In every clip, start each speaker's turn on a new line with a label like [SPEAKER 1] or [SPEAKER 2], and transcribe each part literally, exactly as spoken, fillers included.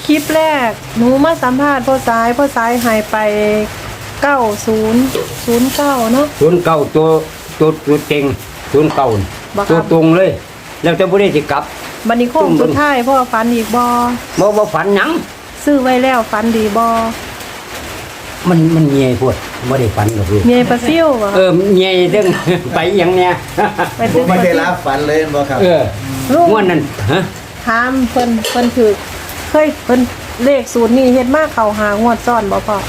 [SPEAKER 1] คลิปแรกหนูมาสัมภาษณ์พ่อสายพ่อสายหายไปเก้าศูนย์ศูนย์เก้าเนาะ
[SPEAKER 2] ศูนย์เก้าตัวตัวตัวเต็งศูนย์เก้าตัวตรงเลย แล้วจะบ่ได้สิกลับ
[SPEAKER 1] บัดนี้โค้งสุดท้ายพ่อฝันอีกบ่
[SPEAKER 2] บ่บ่ฝันหยัง
[SPEAKER 1] ซื้อไว้แล้วฝันดีบ่
[SPEAKER 2] มันมันเงียพวดบ่ได้ฝันหรอกลูก
[SPEAKER 1] เมียปลาซิ่วบ่
[SPEAKER 2] เออเงียเด้ง ไปหยังเนี่ย
[SPEAKER 1] ไป
[SPEAKER 3] ผ
[SPEAKER 1] ซื้อ
[SPEAKER 3] ม
[SPEAKER 1] ป
[SPEAKER 3] ไม่
[SPEAKER 1] ลา
[SPEAKER 3] ได้
[SPEAKER 1] ซิ่ว
[SPEAKER 3] รับฝันเลยบ่ครับ
[SPEAKER 2] เออ
[SPEAKER 1] ลูก
[SPEAKER 2] ม่วนนั่นฮะ
[SPEAKER 1] ถามเพิ่นเพิ่นถือเคยเพิ่นเลขสูตรนี้เฮ็ดมาเข้าหางวดซ้อนบ่พ่อง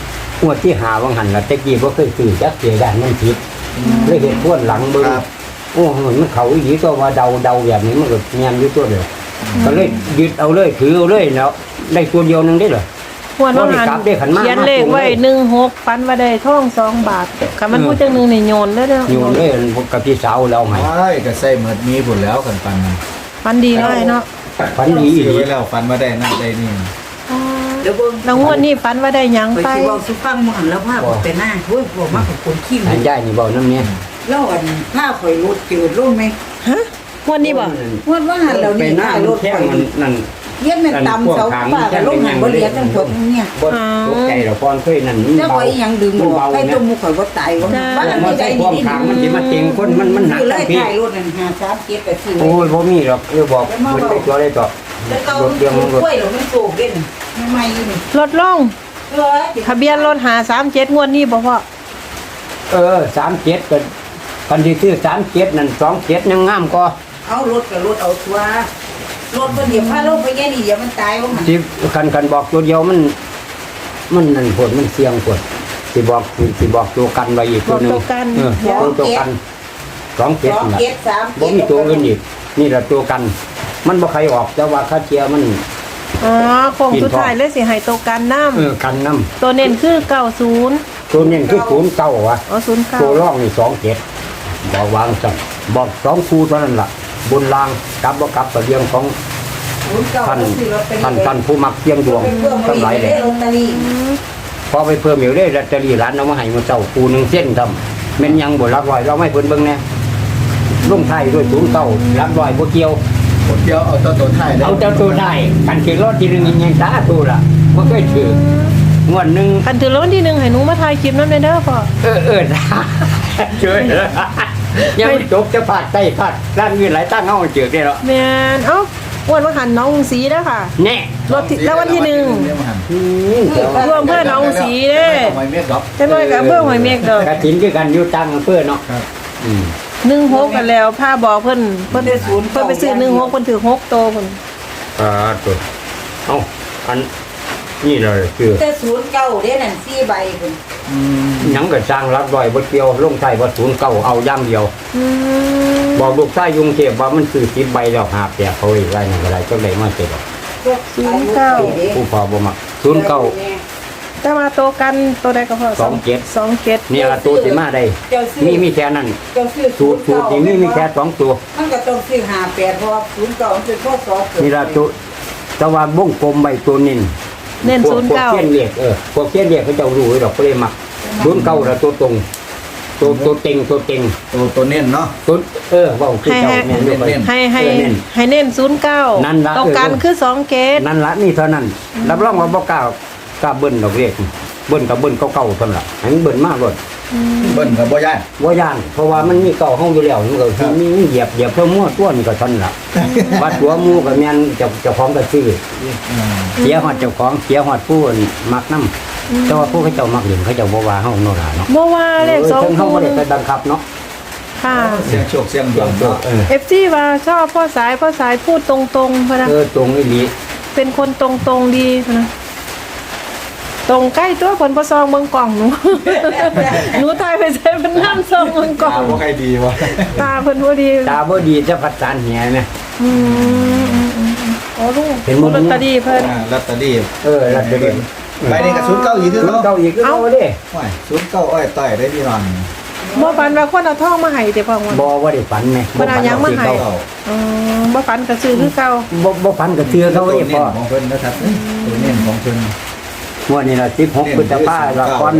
[SPEAKER 2] วดที่หาวังหันล่ะแต่กี้บ่เคยซื้อจักเสียด้านมันผิดเลยเฮ็ดทวนหลังเบิ่งโอ้โหมันเข้าอีหลีก็ว่าเดาเดาแบบนี้มันก็แม่นอยู่ตัวเดียวก็เลยยึดเอาเลยถือเอาเลยแล้วได้ตัวเดียวนึงได้เหรอ
[SPEAKER 1] งวดว่าหัน
[SPEAKER 2] บ่ได้กลับได้ขันมา
[SPEAKER 1] เขียนเลขไว้หนึ่งหกฝันว่าได้ทองสองบาทคันมันผู้จังหนึงนี่โยนเลยเด้อ
[SPEAKER 2] อยู่เลยกับพี่สาวเราให้
[SPEAKER 3] ใช่ก็ใส่เหมือนมีผลแล้วกันปันนั้น
[SPEAKER 1] ฝันดีเนาะไอ้เนาะ
[SPEAKER 2] ฝันดีอี
[SPEAKER 3] ซื้อ
[SPEAKER 2] หลี
[SPEAKER 3] ไว้แล้วฝันมาได้นั่นได้นี่
[SPEAKER 1] อ๋อ
[SPEAKER 4] เดี๋ยวเบิ่ง
[SPEAKER 1] แล้วงวดนี้ฝันว่าได้หยัง
[SPEAKER 4] ไป
[SPEAKER 1] ไป
[SPEAKER 4] สิเว้าสุฟังหมู่หันแล้วพาผมไปหน้าโอ้ยบ่มากับคนขี้
[SPEAKER 2] อันยายนี่เว้านำเนี่ย
[SPEAKER 4] แล้วอันพาข่อยรถจืดลงไหม
[SPEAKER 1] ฮะงวดนี้บ่
[SPEAKER 4] ว่าว่าหันแล้ว
[SPEAKER 2] ไป
[SPEAKER 4] นี่
[SPEAKER 2] หน้า
[SPEAKER 4] พารถ
[SPEAKER 2] แท่ง
[SPEAKER 4] ข่อย
[SPEAKER 2] มันนั่น
[SPEAKER 4] เย็นแม่นตำเสาป้าก็ลงหันบ่เหลียจังพวกเนี่ย
[SPEAKER 2] บ่ตกใจหรอกก่อนเคยนั่น
[SPEAKER 4] เจ้าข่อยอีหยังดึงบอกให้ตัวหมู่ข่อยบ่ตายว่าบ้าน
[SPEAKER 2] มั
[SPEAKER 4] ไม่
[SPEAKER 2] น
[SPEAKER 4] ได้
[SPEAKER 2] ใส่ความขางมันสิมาเต็งคนมันมันหนัก
[SPEAKER 4] คือเล
[SPEAKER 2] ทั้
[SPEAKER 4] ย
[SPEAKER 2] งพี่
[SPEAKER 4] ถ่ายรถนั่นห้าสามเจ็ดแปดสี่
[SPEAKER 2] โอ้ยบ่มีหรอกเออบอกมันไปตัวได้ต่อ
[SPEAKER 4] แล้วเก่าร
[SPEAKER 2] ถเรื่องมันรถ
[SPEAKER 4] กล้วยหรอมันโศกเด่นใหม่ๆนี่
[SPEAKER 1] ลดลง
[SPEAKER 4] เออ
[SPEAKER 1] ทะเบียนรถหาสามเจ็ดงวดนี้บ่พ่อ
[SPEAKER 2] เออสามเจ็ดก็คันที่ซื้อสามเจ็ดนั่นสองเจ็ดยังงามกว่า
[SPEAKER 4] เอารถกับรถเอาตัวรถบ่เดี๋ยวพาลงไปแย่นี่เดี๋ยวมันตายว่ามัน
[SPEAKER 2] สิคันคันบอกตัวเดียวมัน มันนั่นผลมันเสี่ยงผลสิบอกสิบอกตัวกันไว้อีกตัวหนึง
[SPEAKER 1] บอกตัวกัน
[SPEAKER 2] เออตัวตัวกันสองเจ็ด
[SPEAKER 4] สอง
[SPEAKER 2] นั่น
[SPEAKER 4] เจ็ดสาม
[SPEAKER 2] บ่มีตัวอื่นอีกนี่แหละตัวกัน มันบ่ใครออกแต่ว่าค่าเชียร์มัน
[SPEAKER 1] อ๋อโค้งสุดท้ายเลยสิให้โตวกันน้
[SPEAKER 2] เออกันน้
[SPEAKER 1] ำตัวเน้นคือเก้าศูนย์
[SPEAKER 2] ำตัวนี้คือศูนย์เก้าวะ
[SPEAKER 1] อ๋อศูนย์เก้า
[SPEAKER 2] ตัวร่องนี่สองเจ็ดบอกวางสั่นบอกสองคู่เท่านั้นล่ะ บนรางกลับบ่กลับกับเรื่องของท่านท่านท่านผู้มักเสี่ยงดวงทั้งหลายเลย
[SPEAKER 4] ลอตเตอรี่
[SPEAKER 2] พอไปเพิ่มอยู่ได้ลอตเตอรี่ร้านเอามาให้มาเจ้าคู่หนึงเส้นทำแม่นยังบ่รับร้อยเราไม่เพิ่นเบิ่งแน่ลงท้ายด้วยศูนย์เก้ารับร้อยบ่เกี่ยว
[SPEAKER 3] คนเดียวเอาตัวตัวท้าย
[SPEAKER 2] เอาเจ้าตัวได้กันถือรถที่หนึงยังสาธุล่ะบ่เคยถืองวดหนึง
[SPEAKER 1] คันถือรางวัลที่หนึ่งให้หนูมาถ่ายคลิปน้ำเด้อพ่อ
[SPEAKER 2] เออเออช่วยยังไม่จบจะพาดใต้พาดด้านเงินหลายตั้งเอาเจือกได้หรอ
[SPEAKER 1] แม่นเอ้าอ้วนว่าหันน้องสีเด้อค่ะ
[SPEAKER 2] แน่
[SPEAKER 1] รถที่รางวัลที่หนึ่ง
[SPEAKER 2] อืมเดี๋ยว
[SPEAKER 1] รวมเพื่อนน้องสีเด้
[SPEAKER 3] ทำไมเม็ดดอก
[SPEAKER 1] จะน้อยกับเพื่อหอยเมฆดอก
[SPEAKER 2] กระถินคือกันอยู่ตั้งเพื่อเนาะ
[SPEAKER 3] ครับ
[SPEAKER 2] อืม
[SPEAKER 1] หนึ่งหกกันแล้วผ้าบอกเพิ่นเพิ่นเพิ่นไปซื้อหนึ่งหกเพิ่นถือหกโตเพิ่น
[SPEAKER 2] อ่าตัวเอาอันนี่เลยคือ
[SPEAKER 4] แต่ศูนย์เก้าเด้นั่นสี่ใบคุณ
[SPEAKER 3] อืม
[SPEAKER 2] หยังก็สร้างรับรอยบ่เกี่ยวลงใต้บ่ศูนย์เก้าเอาอย่างเดียว
[SPEAKER 1] อืม
[SPEAKER 2] บอกลูกชายยุงเทพว่ามันคือสิบใบแล้วหาแปะเขาอีกไรนั่นก็ได้จังได๋มาเสร็จหรอก
[SPEAKER 1] ศูนย์เก้า
[SPEAKER 2] ผู้พอบ่มักศูนย์เก้า
[SPEAKER 1] แต่ว่าโตกันตัวใดก็พอ
[SPEAKER 2] สองเจ็ด
[SPEAKER 1] สองเจ็ด
[SPEAKER 2] นี่ละตัวสิมาได้มีมีแค่นั้น
[SPEAKER 4] เจ้าซื้อ
[SPEAKER 2] สูตรสูตรนี่มีมีแค่สองตัว
[SPEAKER 4] มันก็ต้องซื้อห้าแปดเพราะว่าศูนย์เก้ามันเป็นข้อสอบ
[SPEAKER 2] นี่ละตัวแต่ว่าบ้งกลมใบตัวนิน
[SPEAKER 1] เน้น
[SPEAKER 2] พว
[SPEAKER 1] ศูนย์
[SPEAKER 2] พวก
[SPEAKER 1] เก้า
[SPEAKER 2] เขียนเรียกเออพวกเขียนเรียกเขาเจ้ารู้ไว้ดอกก็เลยมักศูนย์เก้าละตัวตรงตัวตัวเต็งตัวเต็ง
[SPEAKER 3] ตัวตัวเน้นเนาะ
[SPEAKER 2] ตัวเออเว่าคือเจ้าแม่นอยู่ไป
[SPEAKER 3] เน้น
[SPEAKER 1] ให้ให้
[SPEAKER 2] เออเน้น
[SPEAKER 1] ให้เน้นศูนย์เก้า
[SPEAKER 2] นั่นล่ะ
[SPEAKER 1] โตกัน
[SPEAKER 2] เออ
[SPEAKER 1] คือสองเกต
[SPEAKER 2] นั่นละนี่เท่านั้นรับรองว่าบ่กล้ากล้าเบิ้ลดอกเรียกเบิ้ลกับเบิ้ลเก่าๆเท่านั้นล่ะให้มันเบิ้ลมากเลย
[SPEAKER 3] เบิ้ลกับบ่ย่าน
[SPEAKER 2] บ่ย่านเพราะว่ามันมีเก่าห้องอยู่แล้วมันก็สิมีเหยียบเหยียบเพิ่มมั่วต้วนก็เท่านั้นล่ะว่าตัวหมู่ก็แม่นเจ้าเจ้าของก็ซื้อ
[SPEAKER 3] อ่า
[SPEAKER 2] เสียฮอดเจ้าของเสียฮอดผู้มักนำแต่ว่าผู้เขาเจ้ามักเล่นเขาเจ้าบ่ว่าเฮาโน่นล่ะเนาะ
[SPEAKER 1] บ่ว่าเลขสอง
[SPEAKER 2] เพิ่นเฮา
[SPEAKER 1] คู่
[SPEAKER 2] บ่ได้ไปบังคับเนาะ
[SPEAKER 1] ค่ะ
[SPEAKER 3] เสียงโชคเสียงดวงเนาะ
[SPEAKER 2] เออ
[SPEAKER 1] เอฟซีว่าชอบพ่อสายพ่อสายพูดตรงๆพะนะ
[SPEAKER 2] เออตรงอีหลี
[SPEAKER 1] เป็นคนตรงๆดีพะนะตรงใกล้ตัวผลประซองเมืองกล่องหนู หนูตายไปใช้เป็นน้ำซองเมืองกล่อ
[SPEAKER 3] ตาง บ่ใครดีวะ
[SPEAKER 1] ตาเพิ่นพอดี
[SPEAKER 2] ตาบ่ดีจะพัดสารเหียแม่
[SPEAKER 1] อืมอืมอืมอืมโอ้ลูก
[SPEAKER 2] เห็นหมด
[SPEAKER 1] ลอตเตอรี่เพิ่น
[SPEAKER 3] อ่าลอตเตอรี่
[SPEAKER 2] เออแล้วเดี๋ยว
[SPEAKER 3] ใบนี้กับศูนย์เก้าอีกคือ
[SPEAKER 2] เก่า
[SPEAKER 3] เนาะ
[SPEAKER 2] อีกคือเอาเด้
[SPEAKER 3] ว้ายศูนย์เก้าอ้อยต่อยได้พี่นอน
[SPEAKER 1] บ่ฝันว่าคนเอาทองมาให้แต่พ่อว่า
[SPEAKER 2] บ่ว่าได้ฝันแม่
[SPEAKER 1] เพิ่นเอาหยังมาให้
[SPEAKER 3] เก้า
[SPEAKER 1] อืมบ่ฝันก็ซื้อคือเก่า
[SPEAKER 2] บ่บ่ฝันก็เชื่อเขา
[SPEAKER 3] ตัว
[SPEAKER 2] เด้
[SPEAKER 3] เน้
[SPEAKER 2] พ่อน
[SPEAKER 3] ของเพิ่นนะครับตัวเน้นของเพิ่น
[SPEAKER 2] งวดนี้ล่ะสิบหกพฤษภาคมละก่อน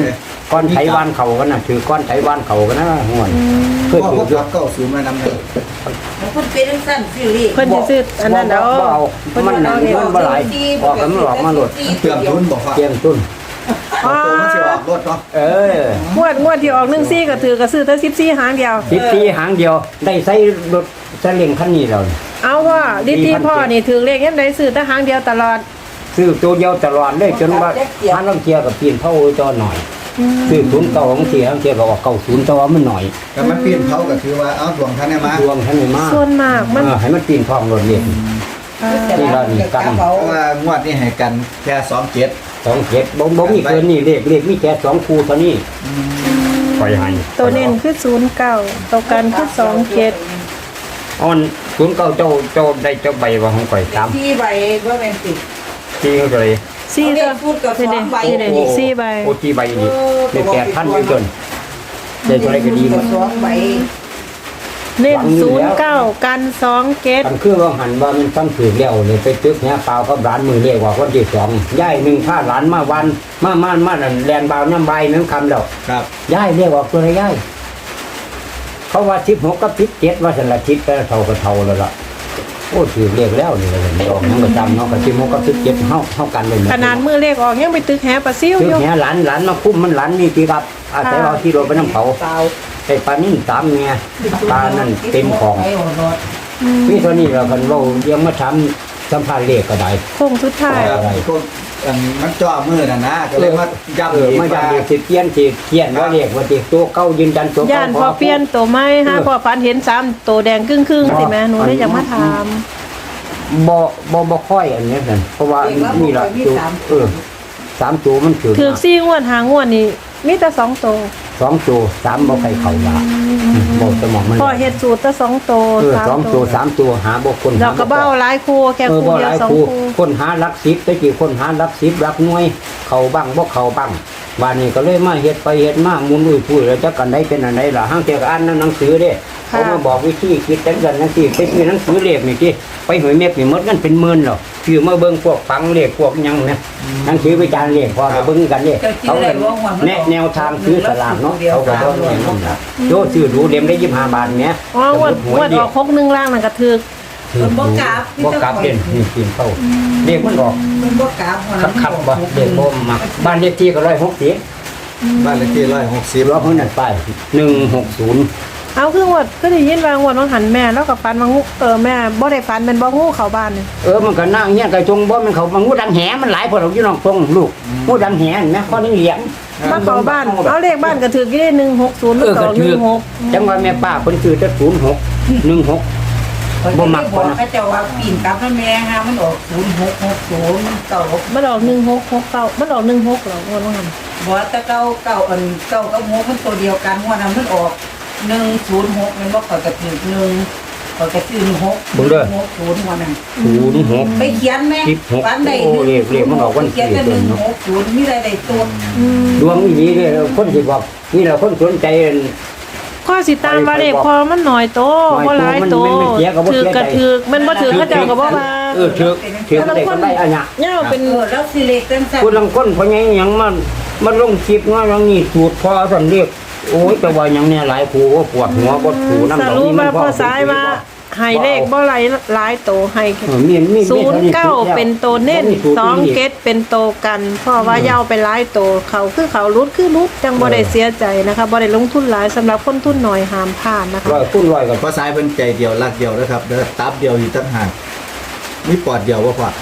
[SPEAKER 2] ก้อนไถวานเขากันน่ะถือก้อนไถวานเขากันนะห่วนเคย
[SPEAKER 3] พ่อ
[SPEAKER 2] ถื
[SPEAKER 3] พ
[SPEAKER 2] อ
[SPEAKER 3] วก
[SPEAKER 2] อยู่
[SPEAKER 3] รับเก้าศูนย์มานำเลย
[SPEAKER 4] แล้วคนเป็นจังซั่นซื้อเลข
[SPEAKER 1] เพิ่นสิซื้ออันนั้นเด้อ
[SPEAKER 2] บ่เอา
[SPEAKER 1] เพิ่น
[SPEAKER 2] มัน
[SPEAKER 1] เอา
[SPEAKER 2] นั่น
[SPEAKER 1] เอง
[SPEAKER 2] มันบ่หลายออกกันมันออกมาหลด
[SPEAKER 3] เตรียมทุนบอกว่า
[SPEAKER 2] เตรียมตุ้น
[SPEAKER 1] อ๋อ
[SPEAKER 3] ตัวมันสิออกรถเนาะ
[SPEAKER 2] เออง
[SPEAKER 1] วดงวดที่ออกหนึ่งซี่ก็ถือก็ซื้อแต่สิบสี่หางเดียว
[SPEAKER 2] สิบสี่หางเดียวได้ใส่รถซาเล้งคันนี้แล้วนี่
[SPEAKER 1] เอาว่าดิที่พ่อนี่ถือเลขยังได้ซื้อแต่หางเดียวตลอด
[SPEAKER 2] ซื้อตัวเดียวตลอดเลยจนว่าพันลำเทียกับปีนเท่าจอหน่อยซื้อศูนย์เก่าของเทียของเทียก็ออกเก่าศูนย์แต่ว่ามันหน่อย
[SPEAKER 3] แต่มันปีนเขาก็คือว่าเอาดวงท่านเนี่ยมา
[SPEAKER 2] ดวงท่านนี่มาก
[SPEAKER 1] ส่วนมากมัน
[SPEAKER 2] เออให้มันปีนทองรถเรียน นี่เรานี่กัน
[SPEAKER 3] เพราะว่างวดนี้ให้กันแค่สองเจ็ด
[SPEAKER 2] สองเจ็ดบ่บ่มีเกินนี่เลขเลขมีแค่สองคู่เท่านี้ปล่อยให้
[SPEAKER 1] ตัวเน้นคือศูนย์เก้าตัวกันคือสองเจ็ด
[SPEAKER 2] อ่อนศูนย์เก้าเจ้าเจ้าได้เจ้าใบว่าของข่อยสาม
[SPEAKER 4] ที่ใบว่าเป็นสิบ
[SPEAKER 2] ที่เขาเลย
[SPEAKER 1] สี่
[SPEAKER 4] เอาเล
[SPEAKER 1] ตัว
[SPEAKER 4] ขพูดกับสองใบ
[SPEAKER 1] นี่เด้นี่สี่ใบ
[SPEAKER 2] โอ้ที่ใบนี่ได้แปดพันอยู่จนได้เท่าไรก็ดีหมด
[SPEAKER 4] สองใบ
[SPEAKER 1] เน้นศูนย์เก้ากันสองเจ็ด
[SPEAKER 2] กันคือว่าหันว่ามันต้องถือแล้วเลยไปตึกเนี้ยเปล่าก็ร้านมือเรียกว่าคนที่สองย่ายหนึ่งผ้าหลานมาวันมามามานั่นแลนบาวน้ำใบน้ำคำแล้ว
[SPEAKER 3] ครับ
[SPEAKER 2] ย่ายเรียกว่าตัวอะไรย่ายเขาว่าสิบหกกับสิบเจ็ดว่าสันละทิศแต่เท่ากับเท่าแล้วล่ะโอ้ถือเรียกแล้วนี่เลยไม่ออกยังประจำเนาะกับสิบหกกับสิบเจ็ดเท่าเท่ากันเลย
[SPEAKER 1] ขนาดมือเลขออกยังไปตึกแหปลาซิ่ว
[SPEAKER 2] ตึ
[SPEAKER 1] อกยู่
[SPEAKER 2] เนี้ยหลานหลานมาคุ้มมันหลานนี่ปีกับอาศัยเอาที่โดนไปน้ำเขา
[SPEAKER 4] เปล่า
[SPEAKER 2] ไอ้ปลานิ่มสามเมียปลานั่นเต็มของ
[SPEAKER 4] ไปหัวรถ
[SPEAKER 2] พี่ตัวนี้เราคันเรายังมาทำสัมภาระเลขก็ได้
[SPEAKER 1] โค้งสุดท้าย
[SPEAKER 3] ครับพวกอันมันจ่อมือน่ะนะก็เลยมาย้ำ
[SPEAKER 2] เออ
[SPEAKER 3] อีก
[SPEAKER 2] มา
[SPEAKER 3] ว่า
[SPEAKER 2] จำเลขสิเทียนสิเทียนว่าเลขว่าติตัวเก้ายืนยันตัว
[SPEAKER 1] ย่า
[SPEAKER 2] เก้าน
[SPEAKER 1] พอเปลี่ยนตัวไม้ฮะพอฝันเห็นสามตัวแดงครึ่งครึ่งๆสิแม่หนูได้อยากมาถาม
[SPEAKER 2] บ่บ่บ่ค่อยอันนี้นั่นเพราะว่านี่ละตัวเออสามตัวมันถือ
[SPEAKER 1] ถือซี่งวดหางวดนี่มีแต่สองตัว
[SPEAKER 2] สองตัวสามบ่ใครเข้าละบ่สมองมัน
[SPEAKER 1] พ่อเฮ็ดสูตรแต่สองตัว
[SPEAKER 2] เออสองตัวสามตัวหาบ่คน
[SPEAKER 1] เราก็เบ้าหลายคู่แค่
[SPEAKER 2] เออ
[SPEAKER 1] คู่
[SPEAKER 2] บ่
[SPEAKER 1] เดี
[SPEAKER 2] ห
[SPEAKER 1] ยว
[SPEAKER 2] ลาย
[SPEAKER 1] สอง
[SPEAKER 2] คู่
[SPEAKER 1] คู่
[SPEAKER 2] คนหาหลักสิบตะกี้คนหาหลักสิบหลักหน่วย เข้าบ้างบ่เข้าบ้างวันนี้ก็เลยมาเฮ็ดไปเฮ็ดมาหมุนอุ้ยปุ้ยแล้วจักกันได้เป็นอันใดล่ะห้างเที่ยก็อ่านหนังสือเด้เขามาบอกวิธีคิดจังซั่นจังซี่ไปซื้อหนังสือเลขนี่ติไปหวยเม็ดนี่หมดกันเป็นหมื่นแล้วคือมาเบิ่งพวกฟังเลขพวกหยังนะหนังสือวิจารณ์เลขพอก็เบิ่งกันเด้เขาก็แนะแนวทางซื้อสลากเนาะเขาก็บ่แนะนำล่ะโยซื้อดูเล่มได้ยี่สิบห้าบาทแหม
[SPEAKER 1] อ๋องวดงวดออกหกหนึ่งล่างนั่นก็ถือ
[SPEAKER 4] มันบ่กราบ
[SPEAKER 2] บ่กลับเด่นนี่กินเข้าเลขมันออก
[SPEAKER 4] มันบ่กราบหัว
[SPEAKER 2] ขับขับบ่เลขบ่มักบ้านเลขที่ก็ร้อยหกสิบ
[SPEAKER 3] บ้านเลขที่ร้อยหกสิบ
[SPEAKER 2] รอบนั้นไปหนึ่งหกศูนย์
[SPEAKER 1] เอาคืองวดก็ได้ยินว่างวดว่าหันแม่แล้วก็ฝันว่างูเออแม่บ่ได้ฝันเป็นบ่งูเข้าบ้านนี่
[SPEAKER 2] เออมันก็นั่งเงี้ยไก่จงบ่มันเขามันงูดังแหมันหลายพอเราอยู่น้องทงลูกงูดังแหนแม่ข้อนี้เหลียง
[SPEAKER 1] มาเข้าบ้านเอาเลขบ้านก็ถือกี่ได้หนึ่งหกศูนย์
[SPEAKER 2] เออ
[SPEAKER 1] ต่
[SPEAKER 2] ก็
[SPEAKER 1] อห
[SPEAKER 2] ถื
[SPEAKER 1] นึ่
[SPEAKER 2] อง
[SPEAKER 1] หก
[SPEAKER 2] จังว่าแม่ป้าคนซื้อจะศูนย์หกหนึ่งหก บ่มัก
[SPEAKER 4] บ่เขาจะว่าปีนกลับมันแม่ฮะมันออกศูนย์หกหกศูนย์เก่า
[SPEAKER 1] มันออกหนึ่งหกหกเก้ามันออกหนึ่งหกเหรองวดว่าหัน
[SPEAKER 4] บ่แต่เก่าเก่าอันเก่ากับหกมันตัวเดียวกันหัวนั้นมันออกหนึ่งศูนย์หกมันบ่เข้ากับถึงหนึ่งเขาจะซื้อหกหกศูนย์หัวนั้น
[SPEAKER 2] ศูนย์หก
[SPEAKER 4] ไปเขียนไหม
[SPEAKER 2] สิบหก
[SPEAKER 4] วันใด
[SPEAKER 2] โอ้เรียกเรียกมันออกวัน
[SPEAKER 4] เขียนแต่ห
[SPEAKER 2] เกิ
[SPEAKER 4] นึ่
[SPEAKER 2] ด
[SPEAKER 4] ง
[SPEAKER 2] เนาะ
[SPEAKER 4] หกศูนย์มีอะไรใดตัว
[SPEAKER 2] ดวงนี้เลยคนที่บอกนี่แหละคนสนใจ
[SPEAKER 1] ข้อสิตามว่าเลขพอมันหน่อยโตบ่หลายโต
[SPEAKER 2] มันมันเสียก็บ่
[SPEAKER 1] ถื
[SPEAKER 2] เสี
[SPEAKER 1] อย
[SPEAKER 2] ใจ
[SPEAKER 1] กระถือมันบ่ถือเขาเจ้าก็บ่ว่า
[SPEAKER 2] เออถือถือได้ก็ได้อันเนี้ย
[SPEAKER 1] เงาเป็น
[SPEAKER 4] เออแล้วสิเลขจังซั่น
[SPEAKER 2] คุณลังคนเพราะไงยังมันมันลงคลิปว่าอย่างนี้สูตรพอสันเรียกโอ้ยแต่ว่าอย่างเนี้ยหลายครูก็ปวดหัวปวดหูน้ำ
[SPEAKER 1] ส
[SPEAKER 2] ดอก
[SPEAKER 1] รุป
[SPEAKER 2] นี่มั
[SPEAKER 1] ว่าน พอสายว่าให้เลขบ่หลายหลายโตให้
[SPEAKER 2] เออมีมี
[SPEAKER 1] ศูนย์เก้าเป็นโตเน้นสองเกตเป็นโตกันเพราะว่าเย้าไปหลายโตเขาคือเขารุดคือรุดจังบ่ได้เสียใจนะคะบ่ได้ลงทุนหลายสำหรับคนทุนน้อยห้ามพลาดนะคะ
[SPEAKER 2] ร้อยคุณร้อยกับ
[SPEAKER 3] เพราะสายเป็นใจเดียวรักเดียวนะครับเด้อตับเดียวอยู่ตั้งหากมีปอดเดียวว่าพอบ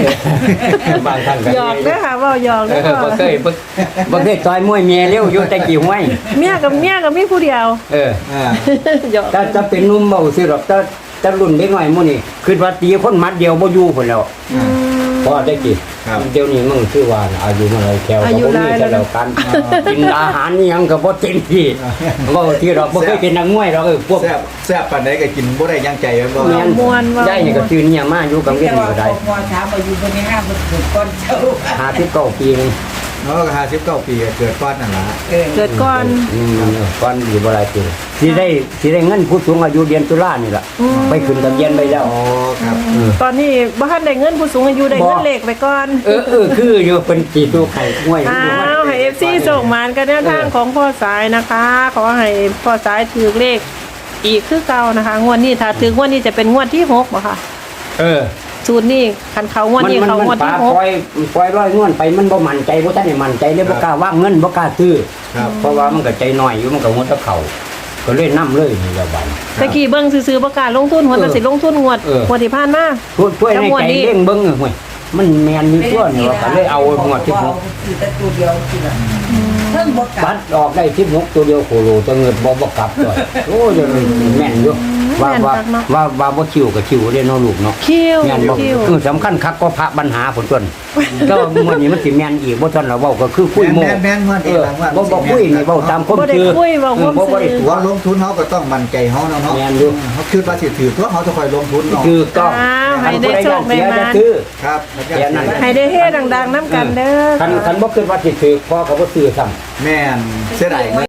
[SPEAKER 2] างท่านกัน
[SPEAKER 1] หยอกเด้อค่ะเว้าหยอก
[SPEAKER 2] เอ
[SPEAKER 1] เด้อ
[SPEAKER 2] อบ่เคยบ่บ่เคยต่อยมวยเมียเร็วอยู่แต่กี่ห้วย
[SPEAKER 1] เมียกับเมียกับมีผู้เดียว
[SPEAKER 2] เออ
[SPEAKER 3] อ่า
[SPEAKER 1] หยอก
[SPEAKER 2] ถ้าจะเป็นหนุ่มเบาสิหรอกถ้าจะรุ่นเด็กน้อยหมู่นี่คือว่าตีคนมัดเดียวบ่อยู่พุ่นแล้ว
[SPEAKER 3] อ่า
[SPEAKER 2] พอได้กี่
[SPEAKER 3] ครับ
[SPEAKER 2] เดี๋ยวนี้มึงคือว่าอายุมันอะไรแถวก็บ่มีแต่แล้วกันกินอาหารนี่ยังก็บ่เต็มที่บ่ที่เราบ่เคยเป็นนักมวยเราเออพวก
[SPEAKER 3] แซ่บแซ่บปานใดก็กินบ่ได้ยังใจแม่นบ่
[SPEAKER 2] แม่นได้นี่ก็ตื่นเนี่ยมาอยู่กับเวียนนี่ก็ได้
[SPEAKER 4] พอถามว่าอยู่บนนี้ห้ามันถูกก้อนเจ้า
[SPEAKER 2] หาสิบเก้าปีนึง
[SPEAKER 3] เนาะก็ห้าสิบเก้าปีก็เกิดก้อนนั่นล่ะ
[SPEAKER 4] เออ
[SPEAKER 1] เกิดก่อน
[SPEAKER 2] อืมเออก่อนอยู่บ่หลายปีสิได้สิได้เงินผู้สูงอายุเดือนตุลานี่ล่ะไปขึ้นทะเบียนไปแล้ว
[SPEAKER 3] อ๋อครับ
[SPEAKER 2] เออ
[SPEAKER 1] ตอนนี้บ้านได้เงินผู้สูงอายุได้เงินเลขไปก่อน
[SPEAKER 2] เออเออคืออยู่เป็นสีตัวไข่ห้วย
[SPEAKER 1] อ้าวให้ เอฟ ซี ส่งมานกันแนวทางของพ่อสายนะคะ ขอให้พ่อสายถือเลขอีกคือเก่านะคะงวดนี้ถ้าถืองวดนี้จะเป็นงวดที่หกบ่ค่ะ
[SPEAKER 2] เออ
[SPEAKER 1] สูตรนี้คันเขางวด
[SPEAKER 2] มัน
[SPEAKER 1] นี้
[SPEAKER 2] มัน
[SPEAKER 1] เขาง
[SPEAKER 2] มั
[SPEAKER 1] วด
[SPEAKER 2] นปลา
[SPEAKER 1] ที่หก
[SPEAKER 2] ปล่อยปล่อยร้อยนวลไปมันบ่มั่นใจบ่ทันได้มั่นใจเลยบ่กล้าว่างเงินบ่กล้าซื้อ
[SPEAKER 3] ครับ
[SPEAKER 2] เพราะว่ามันก็ใจน้อยอยู่มันก็งดตะเขาก็เลยนํเลยนี่ละบัด
[SPEAKER 1] ตะกี้เบิ่งซื่อๆประกล้าศลงทุนหัวแต่สิลงทุนงวด
[SPEAKER 2] เออ
[SPEAKER 1] งวดที่ผ่านมา
[SPEAKER 2] ช่วยช่วยใน
[SPEAKER 1] จังหวะ
[SPEAKER 2] ใจ
[SPEAKER 1] นี้
[SPEAKER 2] เร่งเบิ่งเฮ้ยมันแม่นอยู่ตัวนี่ว่าก็เลยเอาหมวดที่หก
[SPEAKER 4] คือแต่ตัวเดียวสิล่ะเพิ่งบ่กลั
[SPEAKER 2] บั
[SPEAKER 4] บ
[SPEAKER 2] ดออกได้สิบหกตัวเดียวโคโลจะเงินบ่บ่กลับด้วยโอ้ยแม่นอยู่ว่าว่าว่าว่าบ่คิวก็คิวเด้เนาะลูกเนาะ
[SPEAKER 1] คิว
[SPEAKER 2] แม่นบ่
[SPEAKER 1] คิว
[SPEAKER 2] คือสำคัญคักก็พระปัญหาผลต้นก็มื้อนี้มันสิแม่นอีกบ่ทันเราเว้าก็คือคุยโม
[SPEAKER 3] แม่นแม่นแม่น
[SPEAKER 2] เอ
[SPEAKER 3] เอง
[SPEAKER 2] อ
[SPEAKER 3] ว่า
[SPEAKER 2] บ่บ่คุยนี่เว้าตามความ
[SPEAKER 1] บ่ได้
[SPEAKER 2] คือ
[SPEAKER 1] คุยเว้าความ
[SPEAKER 2] เออบ่บ่ได้
[SPEAKER 1] ซื่อ
[SPEAKER 2] ตัว
[SPEAKER 3] ว่าลงทุนเขาก็ต้องมั่นใจเขาเนาะเนาะ
[SPEAKER 2] แม่นอยู่
[SPEAKER 3] เขาคิดว่าสิถือตัวเขาจะคอยลงทุนเนาะ
[SPEAKER 2] คือต้อง
[SPEAKER 1] อ้าวให้ได้โชคได้มา
[SPEAKER 2] คันผู้ใดอยากเสียจะซื้อ
[SPEAKER 3] ครับ
[SPEAKER 2] แค่นั้น
[SPEAKER 1] ให้ได้เฮ็ดดังๆนํกันเด้อ
[SPEAKER 2] คันคันบ่คิดว่าสิถือพอก็บ่ซื้อซ้ำ
[SPEAKER 3] แม่นเสียดาย